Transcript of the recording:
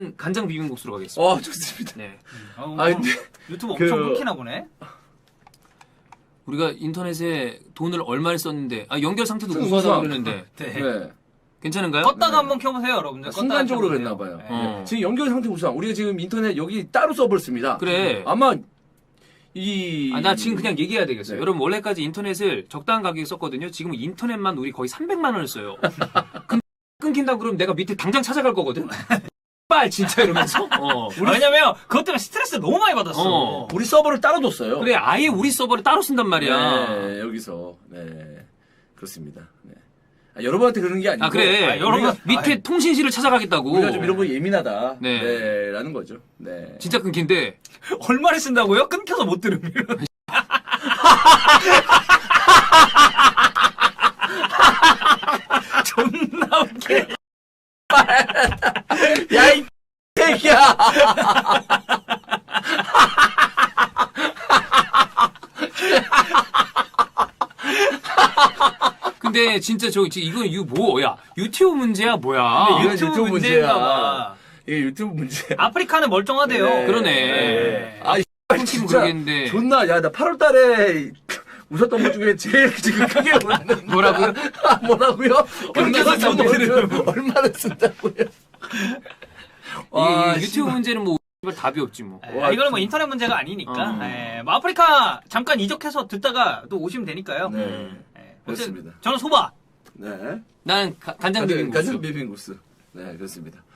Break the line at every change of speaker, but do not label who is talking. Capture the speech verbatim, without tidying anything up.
간장 비빔국수로 가겠습니다.
어, 좋습니다.
네.
어, 뭐
아, 근데
유튜브
그-
엄청 끊기나 보네.
우리가 인터넷에 돈을 얼마를 썼는데 아 연결 상태도
좀
우수하다고
우수하고.
그러는데
네.
네.
괜찮은가요?
껐다가
네.
한번 켜보세요, 여러분들. 껐다가
순간적으로
켜보세요.
그랬나 봐요.
네.
어.
지금 연결 상태 우수함. 우리가 지금 인터넷 여기 따로 서버를 씁니다.
그래.
아마 이
아, 나 지금 그냥 얘기해야 되겠어요.
네.
여러분 원래까지 인터넷을 적당한 가격에 썼거든요. 지금 인터넷만 우리 거의 삼백만 원을 써요. 근데 끊긴다 그러면 내가 밑에 당장 찾아갈 거거든. 빨 진짜 이러면서. 어.
아, 왜냐면 그것 때문에 스트레스 너무 많이 받았어.
어.
우리 서버를 따로 뒀어요.
그래 아예 우리 서버를 따로 쓴단 말이야.
네, 여기서 네 그렇습니다. 네. 아, 여러분한테 그러는 게 아니고
아 그래.
아, 여러분-
우리가 밑에
아이.
통신실을 찾아가겠다고.
우리가 좀 이런 거 예민하다.
네.
네. 라는 거죠. 네.
진짜 끊긴데.
얼마를 쓴다고요? 끊겨서 못 들으면. 존나 웃겨.
야, 이 새끼야!
근데 진짜 저 지금 이거 이거 뭐야? 유튜브 문제야 뭐야?
근데 이건
유튜브
유튜브
문제인가
문제야.
봐.
이게 유튜브 문제야.
아프리카는 멀쩡하대요.
네.
그러네.
네.
아, 이
끊기면
진짜
그러겠는데.
존나, 야, 나 팔월 달에 웃었던 것 중에 제일 지금 크게 웃는.
뭐라고요?
아, 뭐라고요?
끊겨서
얼마나
못 들으면.
쓴다고요? 얼마나 쓴다고요?
이
와,
유튜브
씨발.
문제는 뭐 씨발 답이 없지 뭐.
네,
와,
이거는 뭐
진-
인터넷 문제가 아니니까.
어.
네, 뭐 아프리카 잠깐 이적해서 듣다가 또 오시면 되니까요.
네.
네,
그렇습니다.
저는 소바.
네.
난 가- 간장
가장
비빔국수.
가장 비빔국수. 네, 그렇습니다.